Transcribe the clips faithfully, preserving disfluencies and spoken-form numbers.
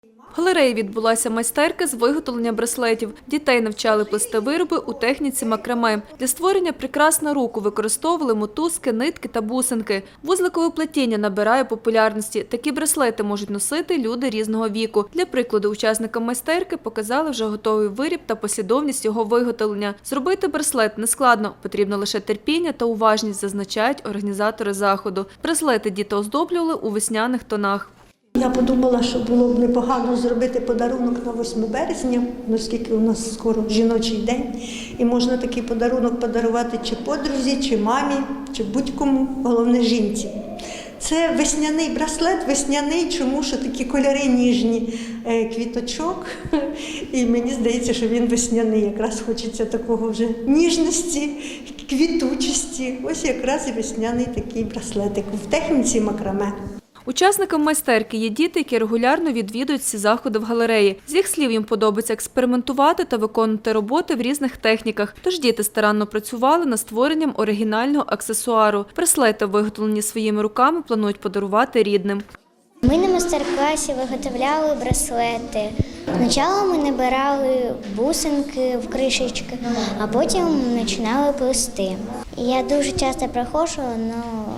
В галереї відбулася майстерка з виготовлення браслетів. Дітей навчали плести вироби у техніці макраме. Для створення прикрас на руку використовували мотузки, нитки та бусинки. Вузликове плетіння набирає популярності. Такі браслети можуть носити люди різного віку. Для прикладу, учасникам майстерки показали вже готовий виріб та послідовність його виготовлення. Зробити браслет нескладно, потрібно лише терпіння та уважність, зазначають організатори заходу. Браслети діти оздоблювали у весняних тонах. Я подумала, що було б непогано зробити подарунок на восьме березня, оскільки у нас скоро жіночий день, і можна такий подарунок подарувати чи подрузі, чи мамі, чи будь-кому, головне жінці. Це весняний браслет, весняний, чому що такі кольори ніжні квіточок, і мені здається, що він весняний, якраз хочеться такого вже ніжності, квітучості, ось якраз і весняний такий браслетик в техніці макраме. Учасникам майстерки є діти, які регулярно відвідують всі заходи в галереї. З їх слів, їм подобається експериментувати та виконувати роботи в різних техніках. Тож діти старанно працювали над створенням оригінального аксесуару. Браслети, виготовлені своїми руками, планують подарувати рідним. Ми на майстер-класі виготовляли браслети. Спочатку ми набирали бусинки в кришечки, а потім починали плести. Я дуже часто приходжу, але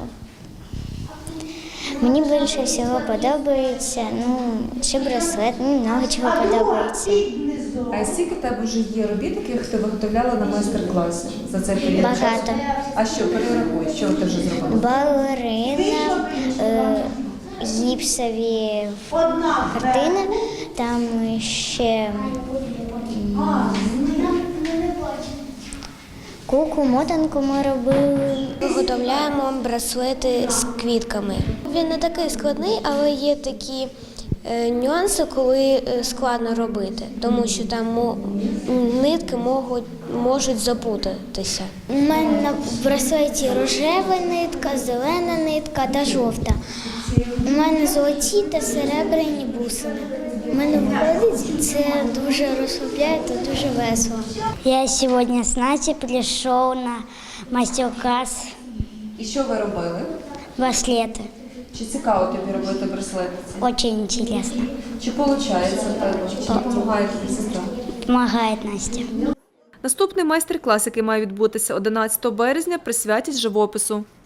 мені більше всього подобається, ну, чи браслет, ну, много чого подобається. А скільки в тебе вже є робіт, яких ти виготовляла на майстер-класі за цей період? Багато. А що, перерахуй, що ти вже зробила? Балерина, е, гіпсові картини, там ще куклу, мотанку ми робили. Виготовляємо браслети з квітками. Він не такий складний, але є такі е, нюанси, коли складно робити, тому що там мо, нитки можуть, можуть запутатися. У мене на браслеті рожева нитка, зелена нитка та жовта. У мене золоті та серебряні бусини. У мене виходить, це дуже розслабляє та дуже весело. Я сьогодні з Насті прийшов на майстер-клас. І що ви робили? Браслети. Чи цікаво тобі робити браслети? Дуже інтересно. Чи виходить в тебе? Чи допомагає тобі сестра? Помагає Настя. Наступний майстер-клас, який має відбутися одинадцятого березня, присвятять живопису.